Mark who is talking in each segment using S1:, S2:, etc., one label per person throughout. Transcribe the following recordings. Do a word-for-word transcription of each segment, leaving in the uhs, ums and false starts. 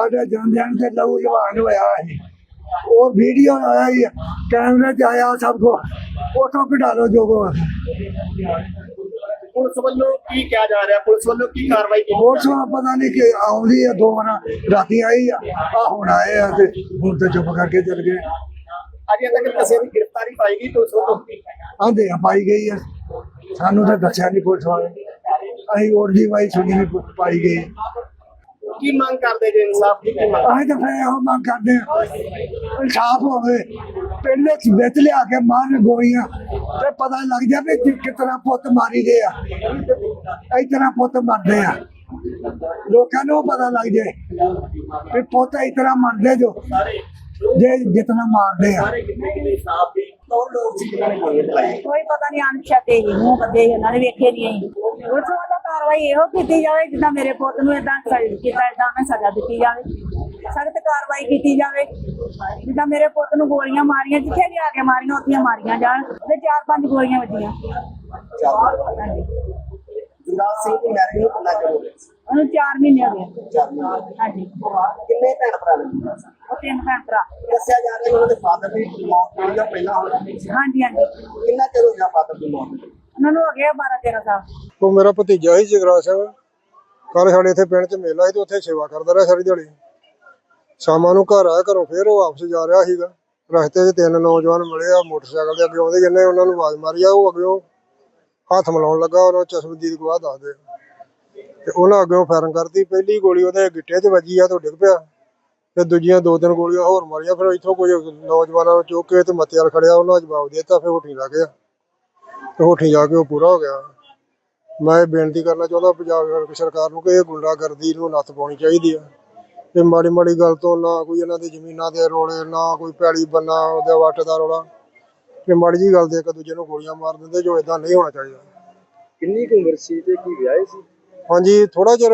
S1: साढ़े जन्मदिन से लहू जवान होया है और वीडियो आया ही कैमरे च आया सबको फोटो कटा लो जो को
S2: पुलिस वालों की क्या जा रहा है, पुलिस वालों की कार्रवाई की
S1: पुलिस पता नहीं कि आउंदी है दो बना राती आई आ हुण आए आ ते हुण ते चुप करके चल गए।
S2: अजे तक किसी की गिरफ्तारी पाएगी पुलिस वालों
S1: आंदे पाई गई है सानू तो दस्या नहीं पुलिस वाले अं और जी वाई सुनी भी पाई गई
S2: की मांग करते जो इंसाफ की की मांग
S1: अं तो फिर यह मांग करते इंसाफ हो पिंड बिच लिया के मारन गोलियां ते पता लग जाए कि कितना पुत मारी गए आ इतना पुत मरदे आ लोगों को पता लग जाए कि पुत इतना मरदे जो जे जितना मारदे आ
S3: कोई पता नहीं अनछते ही मुंह बदे उन्होंने वेखे नहीं पुलिस वालों कार्रवाई यो की जाए जिदा मेरे पुत नूं इदां कीता इदां मैं सजा दी जाए सख्त कार्रवाई की जाए जिदा मेरे पुत नूं गोलियां मारियां जिथे भी आके मारियां उत्थे मारियां जान ते चार पांच गोलियां वजियां
S2: युवराज सिंह की मैरिज नूं कितना चਿਰ ਹੋ ਗਿਆ
S3: ਉਹਨੂੰ चार महीने हो गए ਹਾਂਜੀ
S2: किन्ने भैन भरा ने
S3: ਉਹ ਤਿੰਨ ਭੈਣ ਭਰਾ
S2: ਦੱਸਿਆ ਜਾ ਰਿਹਾ ਉਹਨਾਂ ਦੇ ਫਾਦਰ ਦੀ ਮੌਤ ਹੋਈ ਜਾਂ ਪਹਿਲਾਂ ਹੋਈ
S3: ਹਾਂਜੀ ਹਾਂਜੀ
S2: ਕਿੰਨਾ ਚਿਰ ਹੋ ਗਿਆ ਫਾਦਰ ਦੀ ਮੌਤ
S3: ਉਹਨਾਂ ਨੂੰ ਹੋ ਗਿਆ ਬਾਰਾਂ ਤੇਰਾਂ ਸਾਲ
S4: ਉਹ ਮੇਰਾ ਭਤੀਜਾ ਸੀ ਜਗਰਾਜ ਸਿੰਘ ਕੱਲ ਸਾਡੇ ਇੱਥੇ ਪਿੰਡ 'ਚ ਮੇਲਾ ਸੀ ਤੇ ਉੱਥੇ ਸੇਵਾ ਕਰਦਾ ਰਿਹਾ ਸਾਰੀ ਦਿਹਾੜੀ ਸ਼ਾਮਾਂ ਨੂੰ ਘਰ ਆਇਆ ਘਰੋਂ ਫਿਰ ਉਹ ਵਾਪਸ ਜਾ ਰਿਹਾ ਸੀਗਾ ਰਸਤੇ 'ਚ ਤਿੰਨ ਨੌਜਵਾਨ ਮਿਲੇ ਆ ਮੋਟਰਸਾਈਕਲ ਦੇ ਅੱਗੇ ਆਉਂਦੇ ਜਿੰਨੇ ਉਹਨਾਂ ਨੂੰ ਆਵਾਜ਼ ਮਾਰੀ ਆ ਉਹ ਅੱਗਿਓਂ ਹੱਥ ਮਿਲਾਉਣ ਲੱਗਾ ਉਹਨਾਂ ਚਸ਼ਮਦੀਦ ਗਵਾਹ ਦੱਸਦੇ ਤੇ ਉਹਨਾਂ ਅੱਗਿਓਂ ਫਾਇਰਿੰਗ ਕਰਤੀ ਪਹਿਲੀ ਗੋਲੀ ਉਹਦੇ ਗਿੱਟੇ 'ਚ ਵੱਜੀ ਆ ਤੇ ਡਿੱਗ ਪਿਆ ਤੇ ਦੂਜੀਆਂ ਦੋ ਤਿੰਨ ਗੋਲੀਆਂ ਹੋਰ ਮਾਰੀਆਂ ਫਿਰ ਇੱਥੋਂ ਕੁਝ ਨੌਜਵਾਨਾਂ ਨੂੰ ਚੁੱਕ ਕੇ ਤੇ ਮੱਤੇ ਵਾਲ ਖੜਿਆ ਉਹਨਾਂ ਜਵਾਬ ਦੇ ਦਿੱਤਾ ਫਿਰ ਹੋਠੀ ਲੱਗ ਗਿਆ ਤੇ ਹੋਠੀ ਜਾ ਕੇ ਉਹ ਪੂਰਾ ਹੋ ਗਿਆ। ਮੈਂ ਬੇਨਤੀ ਕਰਨਾ ਚਾਹੁੰਦਾ ਪੰਜਾਬ ਸਰਕਾਰ ਨੂੰ ਕਿ ਇਹ ਗੁੰਡਾਗਰਦੀ ਨੂੰ ਨੱਥ ਪਾਉਣੀ ਚਾਹੀਦੀ ਆ ਤੇ ਮਾੜੀ ਮਾੜੀ ਗੱਲ ਤੋਂ ਨਾ ਕੋਈ ਇਹਨਾਂ ਦੀ ਜ਼ਮੀਨਾਂ ਦੇ ਰੋਲੇ ਨਾ ਕੋਈ ਪੈਲੀ ਬੰਨਾ ਉਹਦੇ ਵੱਟ ਦਾ ਰੋਲਾ ਤੇ ਮਾੜੀ ਜੀ ਗੱਲ ਦੇ ਇੱਕ ਦੂਜੇ ਨੂੰ ਗੋਲੀਆਂ ਮਾਰ ਦਿੰਦੇ ਜੋ ਏਦਾਂ ਨਹੀਂ ਹੋਣਾ ਚਾਹੀਦਾ।
S2: ਕਿੰਨੀ ਕੁ ਉਮਰ ਸੀ ਤੇ ਕੀ ਵਿਆਹ ਸੀ
S4: ਹਾਂਜੀ ਥੋੜਾ ਚਿਰ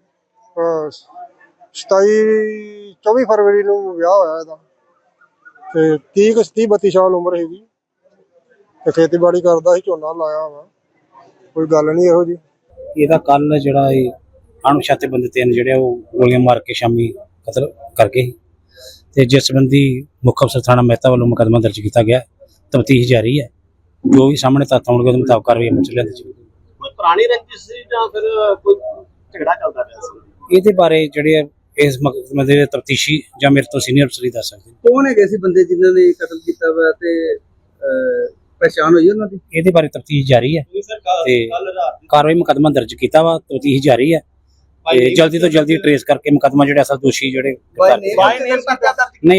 S4: ਸਤਾਈ ਚੌਵੀ ਫਰਵਰੀ ਨੂੰ ਵਿਆਹ ਹੋਇਆ ਇਹਦਾ ਤੇ ਤੀਹ ਕੁ ਤੀਹ ਬੱਤੀ ਸਾਲ ਉਮਰ ਹੈਗੀ ਤੇ ਖੇਤੀਬਾੜੀ ਕਰਦਾ ਸੀ ਝੋਨਾ ਲਾਇਆ ਵਾ ਕੋਈ ਗੱਲ ਨਹੀਂ ਇਹੋ ਜੀ।
S5: ਇਹਦਾ ਕੱਲ ਜਿਹੜਾ ਇਹ ਅਣਪਛਾਤੇ ਬੰਦੇ ਤਿੰਨ ਜਿਹੜੇ ਉਹ ਗੋਲੀਆਂ ਮਾਰ ਕੇ ਸ਼ਾਮੀ ਕਤਲ ਕਰ ਗਏ ਤੇ ਜਿਸ ਸੰਬੰਧੀ ਮੁੱਖ ਅਫਸਰ ਥਾਣਾ ਮਹਿਤਾ ਵੱਲੋਂ ਮੁਕੱਦਮਾ ਦਰਜ ਕੀਤਾ ਗਿਆ ਤਫਤੀਸ਼ ਜਾਰੀ ਹੈ ਜੋ ਵੀ ਸਾਹਮਣੇ ਤੱਥ ਆਉਣਗੇ ਉਹਦੇ ਮੁਤਾਬਕ ਕਾਰਵਾਈ ਅਮਲ ਚ ਲਿਆਂਦੀ ਜਾਵੇਗੀ।
S2: ਕੋਈ ਪੁਰਾਣੀ ਰੰਜਿਸ਼ ਸੀ ਜਾਂ ਫਿਰ ਕੋਈ ਝਗੜਾ ਚੱਲਦਾ ਪਿਆ ਸੀ
S5: ਇਹਦੇ ਬਾਰੇ ਜਿਹੜੇ ਇਸ ਮੁਕੱਦਮੇ ਦੇ ਤਫਤੀਸ਼ੀ ਜਾਂ ਮੇਰੇ ਤੋਂ ਸੀਨੀਅਰ ਅਫਸਰ ਹੀ ਦੱਸ ਸਕਦੇ ਨੇ।
S2: ਕੌਣ ਹੈਗੇ ਸੀ ਬੰਦੇ ਜਿਨ੍ਹਾਂ ਨੇ ਕਤਲ ਕੀਤਾ ਵਾ ਤੇ ਪਛਾਣ ਹੋਈ ਉਹਨਾਂ ਦੀ
S5: ਇਹਦੇ ਬਾਰੇ ਤਫਤੀਸ਼ ਜਾਰੀ ਹੈ ਤੇ ਕਾਰਵਾਈ ਮੁਕੱਦਮਾ ਦਰਜ ਕੀਤਾ ਵਾ ਤਫਤੀਸ਼ ਜਾਰੀ ਹੈ ਤੇ ਜਲਦੀ ਤੋਂ ਜਲਦੀ ਟਰੇਸ ਕਰਕੇ ਮੁਕੱਦਮਾ ਜਿਹੜੇ ਅਸਲ ਦੋਸ਼ੀ ਜਿਹੜੇ
S2: ਬਾਈ ਨੇਮ
S5: ਨਹੀਂ